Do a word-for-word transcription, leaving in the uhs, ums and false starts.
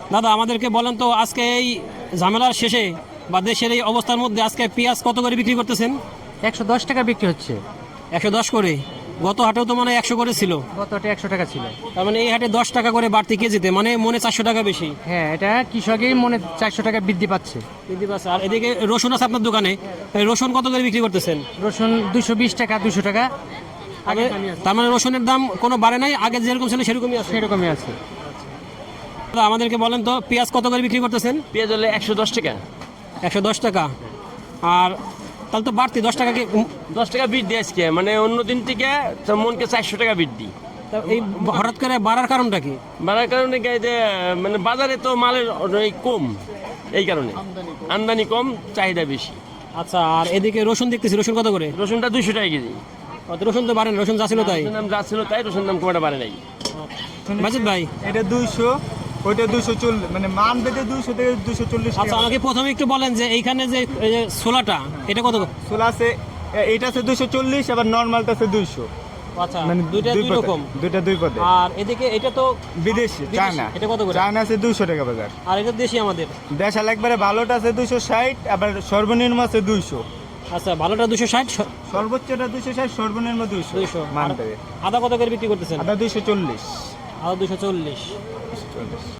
দাদা আমাদেরকে বলেন তো আজকে এই ঝামেলার শেষে বা দেশের এই অবস্থার মধ্যে আজকে পেঁয়াজ কত করে বিক্রি করতেছেন? একশো দশ টাকা বিক্রি হচ্ছে। একশো দশ করে। গত হাটেও তো মানে একশো করে ছিল। গতটা একশো টাকা ছিল। তার মানে এই হাটে দশ টাকা করে বাড়তি কেজিতে, মানে মনে চারশো টাকা বেশি। হ্যাঁ, এটা কৃষকেই মনে চারশো টাকা বৃদ্ধি পাচ্ছে। বৃদ্ধি পাচ্ছে। আর এদিকে রসুন আছে আপনার দোকানে, এই রসুন কত করে বিক্রি করতেছেন? রসুন দুশো বিশ টাকা, দুশো টাকা। আগে তার মানে রসুনের দাম কোনো বাড়ে নাই, আগে যেরকম ছিল সেরকমই আছে। সেরকমই আছে। দাদা আমাদেরকে বলেন তো পেঁয়াজ কত করে বিক্রি করতেছেন? পেঁয়াজ হলে একশো দশ টাকা। একশো দশ টাকা। আর তাহলে তো বাড়তি দশ টাকা কি? দশ টাকা বৃদ্ধি আজকে, মানে অন্য দিন থেকে তো মনকে চারশো টাকা বৃদ্ধি। তা এই হঠাৎ করে বাড়ার কারণটা কি? বাড়ার কারণে কি এই যে মানে বাজারে তো মালের এই কম, এই কারণে আমদানি কম, চাহিদা বেশি। আচ্ছা, আর এদিকে রসুন দেখতেছি, রসুন কত করে? রসুনটা দুইশো টাকা কেজি। অত রসুন তো বাড়ে না, রসুন যা ছিল তাই। রসুন দাম যা ছিল তাই, রসুন দাম কমাটা বাড়ে নাই। বাজিত ভাই, এটা দুইশো, ওইটা দুইশো চল্লিশ, মানে মান বেঁধে দুইশো থেকে দুইশো চল্লিশ আচ্ছা টাকা। আমাকে প্রথমে একটু বলেন যে এইখানে যে এই যে ছোলাটা এটা কত? ছোলা আছে, এ- এইটা আছে দুইশো চল্লিশ, আবার নর্মালটা আছে দুইশো। আচ্ছা, মানে দুইটা দুই দুই পদে, রকম। দুইটা দুই পদে। আর এদিকে এটা তো বিদেশি বিদেশি, চায়না, এটা কত করে? চায়না আছে দুইশো টাকা বাজার। আর এটা দেশি আমাদের। দেশাল একবারে ভালোটা আছে দুইশো ষাট, আবার সর্বনিম্ন আছে দুইশো। আচ্ছা, ভালোটা দুশো ষাট, সর্বোচ্চটা দুইশো ষাট, সর্বনিম্ন দুইশো। দুইশো। মানতে আদা কত করে বিক্রি করতেছেন? আদা দুইশো চল্লিশ। আদা দুশো চল্লিশ। চল্লিশ